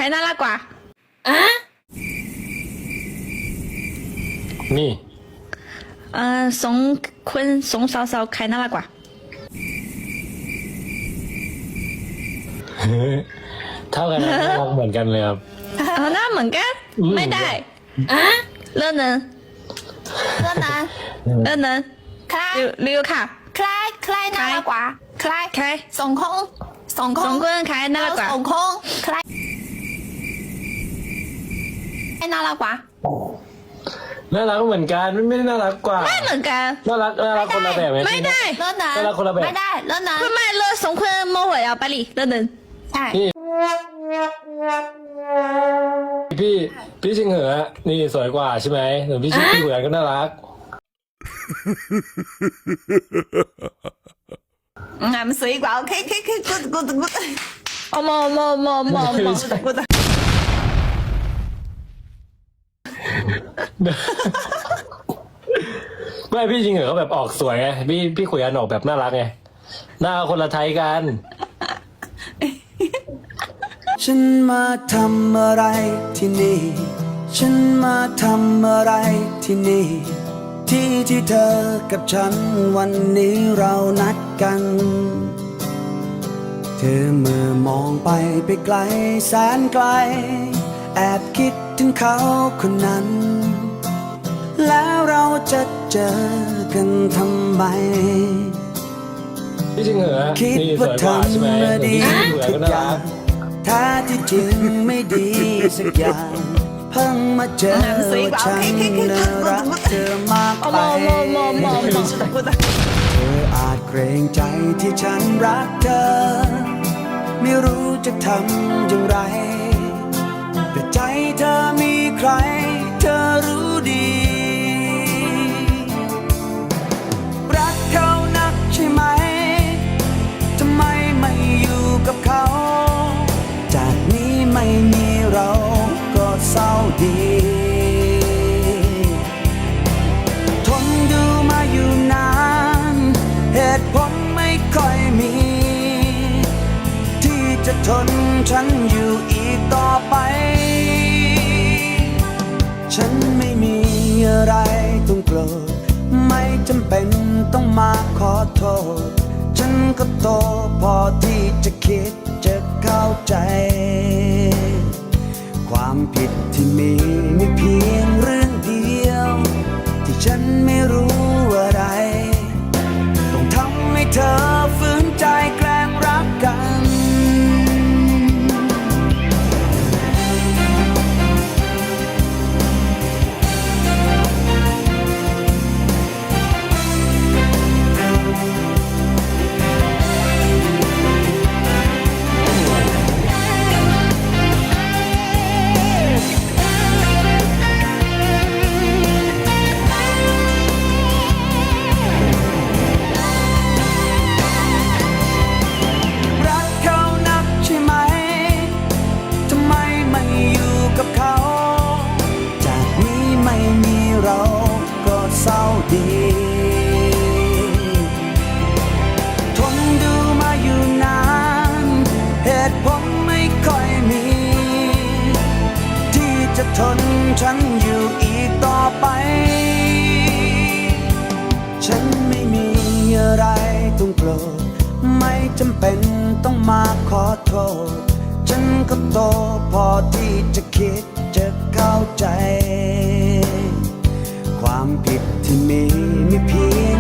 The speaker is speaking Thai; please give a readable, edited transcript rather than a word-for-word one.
น่ารักกว่านี่สองคนสองสาวใครน่ารักกว่าเท่ากันนะน่ารักเหมือนกันเลยครับหน้าเหมือนกันไม่ได้เรื่องนึงใครริวค่ะใครน่ารักกว่าใครสองคนใครน่ารักกว่าสองคนใครน่ารักกว่าน่ารักเหมือนกันไม่ได้น่ารักกว่าไม่เหมือนกันน่ารักคนละแบบไม่ได้เลิศนะน่ารักคนละแบบไม่ได้เลิศนะไม่เลิศสองคนโมโหเอาไปดิเรื่องนึงใช่พี่ชิงเหอนี่สวยกว่าใช่ไหมหรือพี่ชิงเหมือนก็น่ารักมันสวยกว่าโอเคกูโอ้โมกูไม่พี่ชิงเหอเขาแบบออกสวยไงพี่ขุยอันออกแบบน่ารักไงหน้าคนละไทยกันฉันมาทำอะไรที่นี่ ฉันมาทำอะไรที่นี่ ที่เธอกับฉันวันนี้เรานัดกัน เธอเมื่อมองไปไกลแสนไกล แอบคิดถึงเขาคนนั้น แล้วเราจะเจอกันทำไมพี่ชิงเหอคิดว่าทำดีทุกอย่างแท้ที่จริงไม่ดีสักอย่างเพิ่งมาเจอว่าฉันน่ารักเธอมากไปเธออาจเกรงใจที่ฉันรักเธอไม่รู้จะทำอย่างไรแต่ใจเธอมีใครเธอรู้ดีรักเขานักใช่ไหมทำไมไม่อยู่กับเขาจากนี้ไม่มีเราก็เศร้าดีทนดูมาอยู่นานเหตุผลไม่ค่อยมีที่จะทนฉันอยู่อีกต่อไปฉันไม่มีอะไรต้องโกรธไม่จำเป็นต้องมาขอโทษฉันก็โตพอที่จะคิดจะเข้าใจความผิดที่มีเพียงเรื่องเดียวที่ฉันไม่รู้อะไรต้องทำให้เธอฝืนใจแกล้งรักกันดีทนดูมาอยู่นานเหตุผลไม่ค่อยมีที่จะทนฉันอยู่อีกต่อไปฉันไม่มีอะไรต้องโกรธไม่จำเป็นต้องมาขอโทษฉันก็โตพอที่จะคิดจะเข้าใจความผิดที่มีเพียง